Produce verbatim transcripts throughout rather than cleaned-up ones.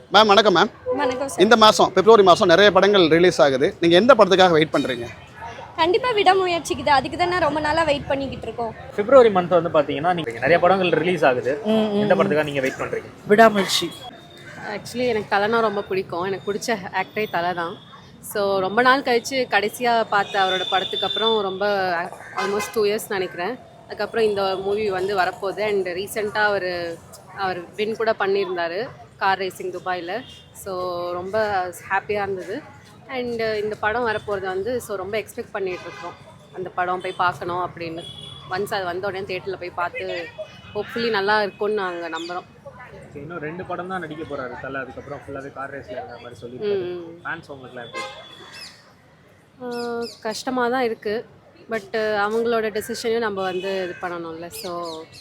Ma'am வணக்கம் ma'am. வணக்கம் sir. இந்த மாதம் பிப்ரவரி மாதம் நிறைய படங்கள் ரிலீஸ் ஆகுது. நீங்கள் எந்த படத்துக்காக வெயிட் பண்ணுறீங்க? கண்டிப்பாக விடாமுயற்சிக்குது. அதுக்கு தான் நான் ரொம்ப நாளாக வெயிட் பண்ணிக்கிட்டு இருக்கோம். பிப்ரவரி மந்த் வந்து பார்த்தீங்கன்னா நீங்கள் நிறைய படங்கள் ரிலீஸ் ஆகுது. எந்த படத்துக்காக நீங்கள் வெயிட் பண்ணுறீங்க? விடாமுயற்சி. ஆக்சுவலி எனக்கு தலைனா ரொம்ப பிடிக்கும். எனக்கு பிடிச்ச ஆக்டரே தலை தான். ஸோ ரொம்ப நாள் கழித்து கடைசியாக பார்த்த அவரோட படத்துக்கு அப்புறம் ரொம்ப ஆல்மோஸ்ட் டூ இயர்ஸ் நினைக்கிறேன். அதுக்கப்புறம் இந்த மூவி வந்து வரப்போகுது. அண்ட் ரீசெண்டாக அவர் அவர் வின் கூட பண்ணியிருந்தார் கார் ரேசிங் துபாயில். ஸோ ரொம்ப ஹாப்பியாக இருந்தது. அண்டு இந்த படம் வரப்போகிறது வந்து ஸோ ரொம்ப எக்ஸ்பெக்ட் பண்ணிகிட்ருக்கோம். அந்த படம் போய் பார்க்கணும் அப்படின்னு. ஒன்ஸ் அது வந்த உடனே தேட்டரில் போய் பார்த்து ஹோப்ஃபுல்லி நல்லா இருக்கும்னு நாங்கள் நம்புகிறோம். இன்னும் ரெண்டு படம் தான் நடிக்க போகிறாரு தலை. அதுக்கப்புறம் ஃபுல்லாகவே கார் ரேஸில் இருக்கிற மாதிரி சொல்லி ஃபேன்ஸ் உங்களுக்குலாம் எப்படி? கஷ்டமாக தான் இருக்குது. பட்டு அவங்களோட டெசிஷனையும் நம்ம வந்து இது பண்ணணும்ல. ஸோ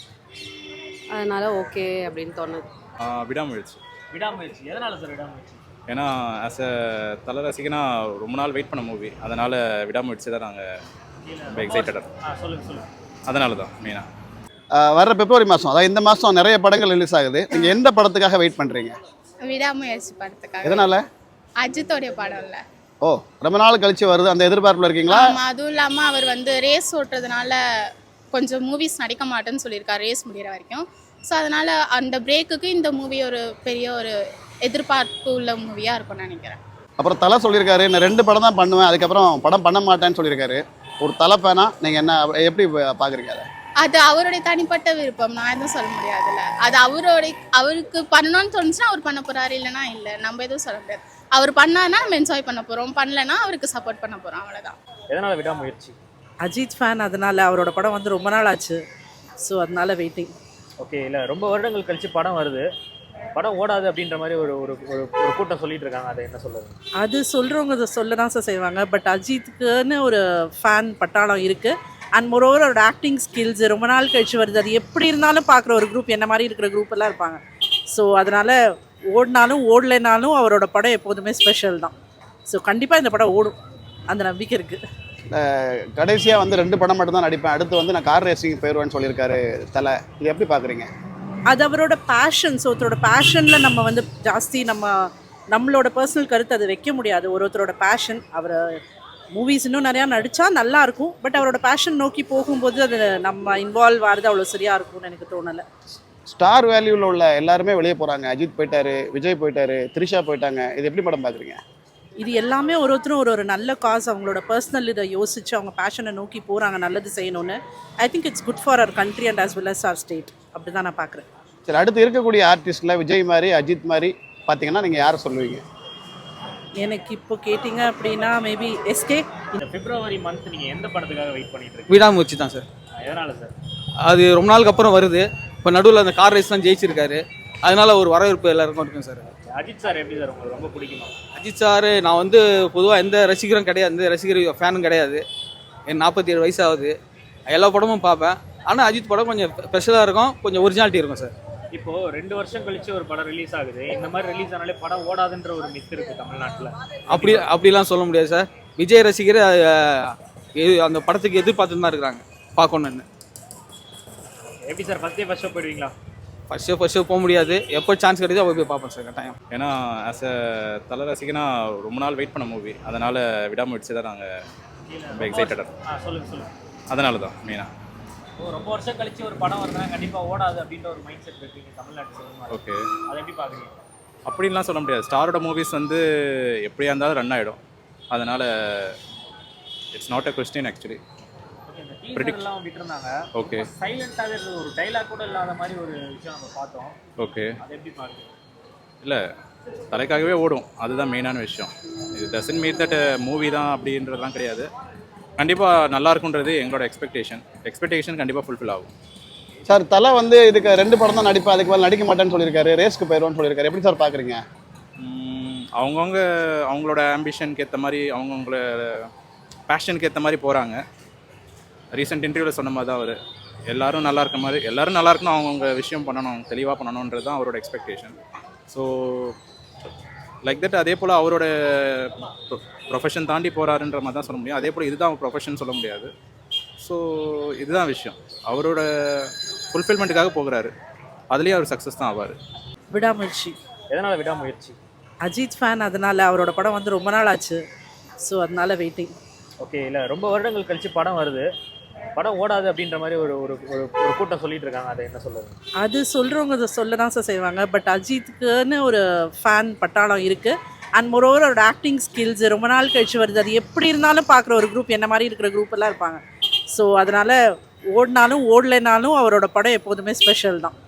அதனால் ஓகே அப்படின்னு தோணுது. விடாமுயற்சி. விடாமுயற்சி எதனால் சார் விடாமுயற்சி? ஏன்னா ஆஸ் அ தலை ரசிகனா ரொம்ப நாள் வெயிட் பண்ண மூவி, அதனால் விடாமுயற்சி தான் நாங்கள் ரொம்ப எக்ஸைட்டடாக. ஆ சொல்லுங்கள் சொல்லுங்கள். அதனால தான் மெயினாக வர்ற பிப்ரவரி மாதம், அதாவது இந்த மாதம் நிறைய படங்கள் ரிலீஸ் ஆகுது. நீங்கள் எந்த படத்துக்காக வெயிட் பண்ணுறீங்க? விடாமுயற்சி படத்துக்காக. எதனால்? அஜித்தோடைய படம் இல்லை. ஓ, ரொம்ப நாள் கழிச்சு வருது, அந்த எதிர்பார்ப்பில் இருக்கீங்களா? ஆமாம். அதுவும் இல்லாமல் அவர் வந்து ரேஸ் ஓட்டுறதுனால கொஞ்சம் மூவிஸ் நடிக்க மாட்டேன்னு சொல்லியிருக்காரு ரேஸ் முடிகிற வரைக்கும். ஸோ அதனால் அந்த பிரேக்குக்கு இந்த மூவி ஒரு பெரிய ஒரு எதிர்பார்ப்பு உள்ள மூவியாக இருக்கும்னு நினைக்கிறேன். அப்புறம் தலை சொல்லியிருக்காரு, நான் ரெண்டு படம் தான் பண்ணுவேன், அதுக்கப்புறம் படம் பண்ண மாட்டேன்னு சொல்லியிருக்காரு. ஒரு தலை பேனா நீங்கள் என்ன எப்படி பார்க்குறீங்க அதை? அது அவருடைய தனிப்பட்ட விருப்பம், நான் எதுவும் சொல்ல முடியாதுல்ல. அது அவருடைய அவருக்கு பண்ணணும்னு தோணுச்சுன்னா அவர் பண்ண போகிறாரு, இல்லைனா இல்லை. நம்ம எதுவும் சொல்ல முடியாது. அவர் பண்ணான்னா நம்ம என்ஜாய் பண்ண போகிறோம், பண்ணலைன்னா அவருக்கு சப்போர்ட் பண்ண போகிறோம், அவ்வளோதான். எதனால் விடாமுயற்சி? அஜித் ஃபேன், அதனால் அவரோட படம் வந்து ரொம்ப நாள் ஆச்சு. ஸோ அதனால வெயிட்டிங். ஓகே. இல்லை ரொம்ப வருடங்கள் கழித்து படம் வருது, படம் ஓடாது அப்படின்ற மாதிரி ஒரு ஒரு ஒரு கூட்டம் சொல்லிட்டு இருக்காங்க. அதை என்ன சொல்லுறது? அது சொல்கிறவங்க அதை சொல்ல தான் சார் செய்வாங்க. பட் அஜித்துக்குன்னு ஒரு ஃபேன் பட்டாளம் இருக்குது. அண்ட் மோரோவர் அவரோட ஆக்டிங் ஸ்கில்ஸ் ரொம்ப நாள் கழிச்சு வருது. அது எப்படி இருந்தாலும் பார்க்குற ஒரு குரூப் என்ன மாதிரி இருக்கிற குரூப் எல்லாம் இருப்பாங்க. ஸோ அதனால் ஓடினாலும் ஓடலைனாலும் அவரோட படம் எப்போதுமே ஸ்பெஷல் தான். ஸோ கண்டிப்பாக இந்த படம் ஓடும், அந்த நம்பிக்கை இருக்குது. கடைசியாக வந்து ரெண்டு படம் மட்டும் தான் நடிப்பேன், அடுத்து வந்து நான் கார் ரேசிங் போயிடுவேன்னு சொல்லியிருக்காரு தலை. இது எப்படி பார்க்குறீங்க? அது அவரோட பேஷன். ஸோ ஒருத்தரோட பேஷனில் நம்ம வந்து ஜாஸ்தி நம்ம நம்மளோட பர்சனல் கருத்து அதை வைக்க முடியாது. ஒரு ஒருத்தரோட பேஷன். அவர் மூவிஸ் இன்னும் நிறையா நடித்தா நல்லாயிருக்கும். பட் அவரோட பேஷன் நோக்கி போகும்போது அது நம்ம இன்வால்வ் ஆகிறது அவ்வளோ சரியாக இருக்கும்னு எனக்கு தோணலை. ஸ்டார் வேல்யூவில் உள்ள எல்லாருமே வெளியே போகிறாங்க. அஜித் போயிட்டாரு, விஜய் போயிட்டாரு, த்ரிஷா போயிட்டாங்க. இது எப்படி படம் பார்க்குறீங்க? இது எல்லாமே ஒரு ஒருத்தரும் ஒரு ஒரு நல்ல காஸ், அவங்களோட பர்சனல் இதை யோசித்து அவங்க பேஷனை நோக்கி போகிறாங்க நல்லது செய்யணும்னு. I think it's good for our country and as well as our state. அப்படி தான் நான் பார்க்குறேன். சரி, அடுத்து இருக்கக்கூடிய ஆர்டிஸ்டில் விஜய் மாதிரி அஜித் மாதிரி பார்த்தீங்கன்னா நீங்கள் யாரை சொல்லுவீங்க? எனக்கு இப்போ கேட்டிங்க அப்படின்னா மேபி எஸ்கே. இந்த பிப்ரவரி மந்த் நீங்கள் எந்த படத்துக்காக வெயிட் பண்ணிட்டு இருக்கீங்க? விடாமுயற்சி தான் சார். எதனால் சார்? அது ரொம்ப நாளுக்கு அப்புறம் வருது. இப்போ நடுவில் அந்த கார் ரேஸ் தான் ஜெயிச்சிருக்காரு, அதனால ஒரு வரவேற்பு எல்லாருக்கும் இருக்கும் சார். அஜித் சார் எப்படி சார் உங்களுக்கு ரொம்ப பிடிக்குமா? அஜித் சார் நான் வந்து பொதுவாக எந்த ரசிகரும் கிடையாது, எந்த ரசிகர் ஃபேனும் கிடையாது. என் நாற்பத்தி ஏழு வயசு ஆகுது, எல்லா படமும் பார்ப்பேன். ஆனால் அஜித் படம் கொஞ்சம் ஸ்பெஷலாக இருக்கும், கொஞ்சம் ஒரிஜினாலிட்டி இருக்கும் சார். இப்போது ரெண்டு வருஷம் கழிச்சு ஒரு படம் ரிலீஸ் ஆகுது. இந்த மாதிரி ரிலீஸ் ஆனாலே படம் ஓடாதுன்ற ஒரு மித்து இருக்குது தமிழ்நாட்டில். அப்படி அப்படிலாம் சொல்ல முடியாது சார். விஜய் ரசிகர் அந்த படத்துக்கு எதிர்பார்த்து தான் இருக்கிறாங்க பார்க்கணுன்னு. எப்படி sir first day first show போயிடுவீங்களா? ஃபஸ்ட் ஷோ ஃபஸ்ட் ஷோ போக முடியாது, எப்போ சான்ஸ் கிடைச்சோ அப்போ போய் பார்ப்பேன் சார் கட்டாயம். ஏன்னா ஆஸ் அ தலை ரசிகனா ரொம்ப நாள் வெயிட் பண்ண மூவி, அதனால் விடாமுயற்சி தான் நாங்கள் ரொம்ப எக்ஸைட்டடாக. ஆ சொல்லுங்கள் சொல்லுங்கள். அதனால தான் மெயினாக. ஓ, ரொம்ப வருஷம் கழிச்சு ஒரு படம் வருதுன்னா கண்டிப்பாக ஓடாது அப்படின்ற ஒரு மைண்ட் செட் இருக்கீங்க தமிழ்நாட்டு சினிமா. ஓகே. அதை எப்படி பார்க்குறீங்க? அப்படின்லாம் சொல்ல முடியாது. ஸ்டாரோட மூவிஸ் வந்து எப்படியா இருந்தாலும் ரன் ஆகிடும், அதனால் it's not a question actually. ப்ரெடிக்ட்லாம் விட்டுருந்தாங்க. ஓகே. சைலண்டாகவே இருந்தது, ஒரு டைலாக் கூட இல்லாத மாதிரி ஒரு விஷயம் நம்ம பார்த்தோம். ஓகே. அதை எப்படி பார்க்குறீங்க? இல்லை, தலைக்காகவே ஓடும், அதுதான் மெயினான விஷயம். இது டசன்ட் மீன் தட் மூவி தான் அப்படின்றதுலாம் கிடையாது. கண்டிப்பாக நல்லா இருக்குன்றது எங்களோட எக்ஸ்பெக்டேஷன். எக்ஸ்பெக்டேஷன் கண்டிப்பாக ஃபுல்ஃபில் ஆகும். சார் தலை வந்து இதுக்கு ரெண்டு படம் தான் நடிப்பேன், அதுக்கு மேலே நடிக்க மாட்டேன்னு சொல்லியிருக்காரு, ரேஸ்க்கு போயிடுவோன்னு சொல்லியிருக்காரு. எப்படி சார் பார்க்குறீங்க? அவங்கவுங்க அவங்களோட ஆம்பிஷனுக்கு ஏற்ற மாதிரி, அவங்கவுங்கள பேஷனுக்கு ஏற்ற மாதிரி போகிறாங்க. ரீசெண்ட் இன்டர்வியூவில் சொன்ன மாதிரி தான் அவர் எல்லோரும் நல்லா இருக்க மாதிரி, எல்லோரும் நல்லா இருக்கணும், அவங்கவுங்க விஷயம் பண்ணணும், தெளிவாக பண்ணணுன்றது தான் அவரோட எக்ஸ்பெக்டேஷன். So like that. அதே போல் அவரோட ப்ரொஃபஷன் தாண்டி போகிறாருன்ற மாதிரி தான் சொல்ல முடியும். அதே போல் இதுதான் ப்ரொஃபஷன் சொல்ல முடியாது. ஸோ இதுதான் விஷயம். அவரோட ஃபுல்ஃபில்மெண்ட்டுக்காக போகிறாரு, அதுலேயே அவர் சக்ஸஸ் தான் ஆவார். விடாமுயற்சி. எதனால் விடாமுயற்சி? அஜித் ஃபேன், அதனால் அவரோட படம் வந்து ரொம்ப நாள் ஆச்சு. ஸோ அதனால வெயிட்டிங். ஓகே, இல்லை ரொம்ப வருடங்கள் கழிச்சு படம் வருது, படம் ஓடாது அப்படின்ற மாதிரி ஒரு ஒரு ஒரு ஒரு கூட்டம் சொல்லிட்டு இருக்காங்க, அதை என்ன சொல்லுங்க? அது சொல்கிறவங்க அதை சொல்ல தான் சார் செய்வாங்க. பட் அஜித்துக்குன்னு ஒரு ஃபேன் பட்டாளம் இருக்குது. அண்ட் மோரோவர் அவரோட ஆக்டிங் ஸ்கில்ஸ் ரொம்ப நாள் கழிச்சு வருது. அது எப்படி இருந்தாலும் பார்க்குற ஒரு குரூப் என்ன மாதிரி இருக்கிற குரூப் எல்லாம் இருப்பாங்க. ஸோ அதனால் ஓடினாலும் ஓடலைனாலும் அவரோட படம் எப்போதுமே ஸ்பெஷல் தான்.